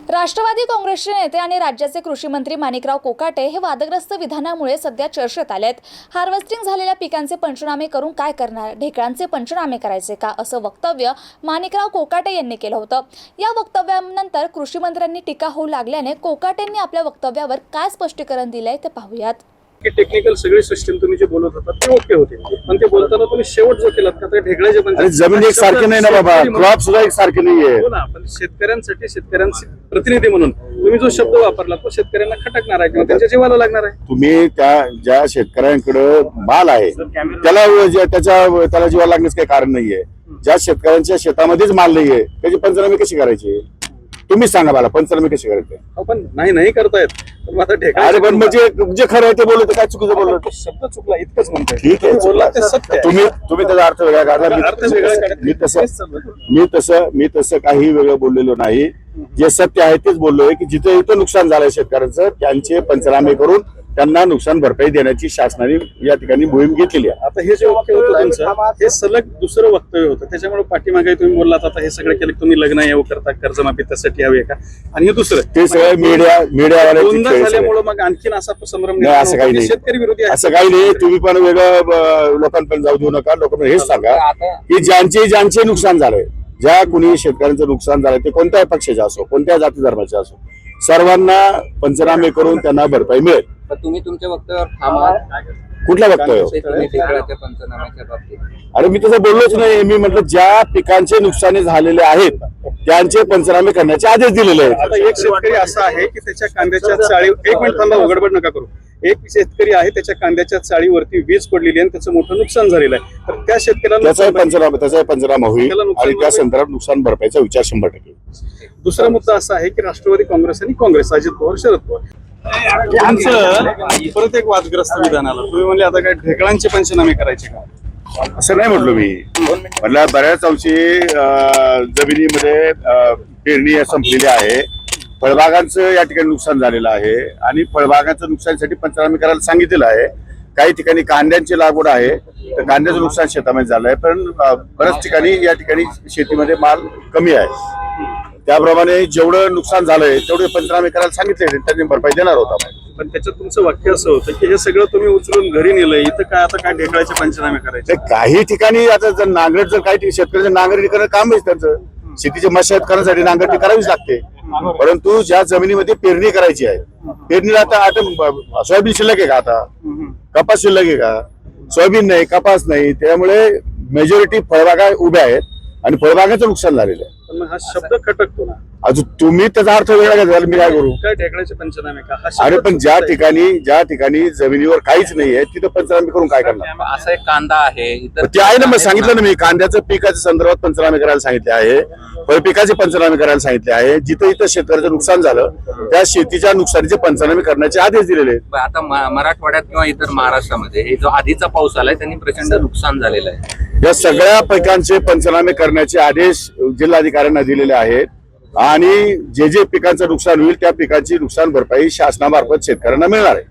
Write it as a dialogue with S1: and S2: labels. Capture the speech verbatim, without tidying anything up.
S1: राष्ट्रवादी काँग्रेसचे नेते आणि राज्याचे कृषी मंत्री माणिकराव कोकाटे हे वादग्रस्त विधानामुळे सध्या चर्चेत आलेत। हार्वेस्टिंग झालेल्या पिकांचे पंचनामे करून काय करणार, ढेकळांचे पंचनामे करायचे का, असं वक्तव्य माणिकराव कोकाटे यांनी केलं होतं। या वक्तव्यानंतर कृषी मंत्र्यांनी टीका होऊ लागल्याने कोकाटेंनी आपल्या वक्तव्यावर काय स्पष्टीकरण दिलंय ते पाहूयात।
S2: की टेक्निकल सगळी सिस्टम तुम्ही जे बोलत होता ते ओके होते, पण ते बोलताना तुम्ही शेवट जो केलात का ते ढेकळाचे पण
S3: अरे जमीन एक सारखी नाही ना बाबा, क्रॉप सुद्धा एक सारखी नाहीये।
S2: हो ना, पण शेतकऱ्यांसाठी शेतकऱ्यांचे प्रतिनिधी म्हणून तुम्ही जो शब्द वापरला तो शेतकऱ्यांना खटकणार आहे किंवा त्यांच्या जीवाला लागणार आहे।
S3: तुम्ही त्या ज्या शेतकऱ्यांकडे माल आहे त्याला जे- त्याच्या त्याला जीवाला लागण्याचं काही कारण नाहीये। ज्या शेतकऱ्यांच्या शेतामध्येच माल नाहीये त्याची पंचनामे कशी करायची तुम्ही सांगा मला, पंचनामे कशी करायचे?
S2: पण नाही नाही करतायत, पण आता ढेकळा
S3: अरे पण म्हणजे जे खरं आहे ते बोलत काय चुकीचं बोललं?
S2: शब्द चुकला इतकंच म्हणतोय।
S3: ठीक आहे,
S2: बोलला ते सत्य आहे।
S3: तुम्ही तुम्ही त्याचा अर्थ वेगळा काढला,
S2: अर्थ वेगळा
S3: मी-
S2: काढत
S3: मी तसं
S2: नाही।
S3: मी तसं मी तसं काही वेगळं बोललेलो नाही। जे सत्य आहे तेच बोललोय की जिथे इथं नुकसान झालंय शेतकऱ्यांचं त्यांचे पंचनामे करून त्यांना नुकसान भरपाई देण्याची शासनाने या ठिकाणी मोहीम घेतलेली आहे।
S2: आता हे जे वाक्य होतं तुमचं हे सलग दुसरं वक्तव्य होतं, त्याच्यामुळे पाठीमागे तुम्ही बोललात आता हे सगळं केलं तुम्ही लग्न येऊ करता कर्जमाफी त्यासाठी हवी का, आणि हे दुसरं
S3: ते सगळं मीडिया मीडियावाल्यांची
S2: दोनदा
S3: खेळ
S2: झाल्यामुळे मग आणखीन असा संभ्रम
S3: नाही, असं काही नाही।
S2: शेतकरी विरोधी आहे
S3: असं काही नाही, तुम्ही पण वेगळं ब- लोकांपर्यंत जाऊ देऊ नका। लोकांना हेच सांगा की ज्यांचे ज्यांचे नुकसान झालंय, ज्या कुणी शेतकऱ्यांचं नुकसान झालंय ते कोणत्याही पक्षाचे असो, कोणत्या जाती धर्माचे असो, सर्वांना पंचनामे करून त्यांना भरपाई मिळेल।
S4: पण तुम्ही तुमच्या वक्तव्यावर ठाम
S3: कुठला वक्तव्य?
S4: ढेकळाच्या पंचनाम्याच्या बाबतीत
S3: अरे मी तसं बोललोच नाही। मी म्हटलं ज्या पिकांचे नुकसानी झालेले आहेत त्यांचे पंचनामे करण्याचे आदेश दिलेले आहेत।
S2: आता एक शेतकरी असा आहे की त्याच्या कांद्याच्या चाळी एक मिनिट थांबा, उघडबड नका करू। एक शेतकरी आहे त्याच्या कांद्याच्या चाळीवरती वीज पडलेली आहे आणि त्याचं मोठं नुकसान झालेलं आहे, तर त्या शेतकऱ्याला
S3: त्याचाही पंचनामा त्याचाही पंचनामा होईल आणि त्या संदर्भात नुकसान भरपाईचा विचार शंभर टक्के।
S2: दुसरा मुद्दा असा आहे की राष्ट्रवादी काँग्रेस आणि काँग्रेस, अजित पवार शरद पवार तुमचं परत एक वादग्रस्त विधान आलं। तुम्ही म्हणले आता काय ढेकळांचे पंचनामे करायचे का?
S3: असं नाही म्हटलो मी। म्हटलं बऱ्याच अंशी अं, जमिनीमध्ये अं, पेरणी संपलेली आहे, फळबागांचं या ठिकाणी नुकसान झालेलं आहे आणि फळबागांचं नुकसानीसाठी पंचनामे करायला सांगितलेलं आहे। काही ठिकाणी कांद्यांची लागवड आहे तर कांद्याचं नुकसान शेतामध्ये झालंय, पण अं, बऱ्याच ठिकाणी या ठिकाणी शेतीमध्ये माल कमी आहे। त्याप्रमाणे जेवढं नुकसान झालंय तेवढे पंचनामे करायला सांगितले, त्यांनी भरपाई देणार होता।
S2: पण त्याच्यात तुमचं वाक्य असं होतं की हे सगळं तुम्ही उचलून घरी नेलंय, इथं काय आता काय ढेकळाचे पंचनामे करायचे?
S3: ते काही ठिकाणी आता जर नांगरट जर काही शेतकऱ्याचं नांगरणी करणं काम आहे त्यांचं, शेतीची मशागत करण्यासाठी नांगरणी करावीच लागते। परंतु ज्या जमिनीमध्ये पेरणी करायची आहे, पेरणीला आता आता सोयाबीन शिल्लक आहे का, आता कपास शिल्लक आहे का? सोयाबीन नाही, कपास नाही, त्यामुळे मेजॉरिटी फळबागा उभ्या आहेत आणि फळबागाचं नुकसान झालेलं आहे।
S2: पण मग हा शब्द खटकतो ना,
S3: अजून तुम्ही त्याचा अर्थ वेगळा घ्याल, मी काय करू?
S2: काय ढेकळाचे पंचनामे का हा शब्द
S3: अरे पण ज्या
S2: चुकीचा आहे.
S3: ठिकाणी ज्या ठिकाणी जमिनीवर काहीच नाहीये तिथं पंचनामे करून काय करणार?
S4: असा एक कांदा आहे, इतर
S3: ते आहे ना, मग सांगितलं ना मी, कांद्याचं पिकाच्या संदर्भात पंचनामे करायला सांगितले आहे, फळपिकाचे पंचनामे करायला सांगितले आहे। जिथं इथं शेतकऱ्याचं नुकसान झालं त्या शेतीच्या नुकसानीचे पंचनामे करण्याचे आदेश दिलेले आहेत।
S4: आता म- मराठवाड्यात किंवा इतर महाराष्ट्रामध्ये हे जो आधीचा पाऊस आलाय त्यांनी प्रचंड नुकसान झालेलं आहे।
S3: या सगळ्या पिकांचे पंचनामे करण्याचे आदेश जिल्हाधिकाऱ्यांना दिलेले आहेत आणि जे जे पिकांचं नुकसान होईल त्या पिकांची नुकसान भरपाई शासनामार्फत शेतकऱ्यांना मिळणार आहे।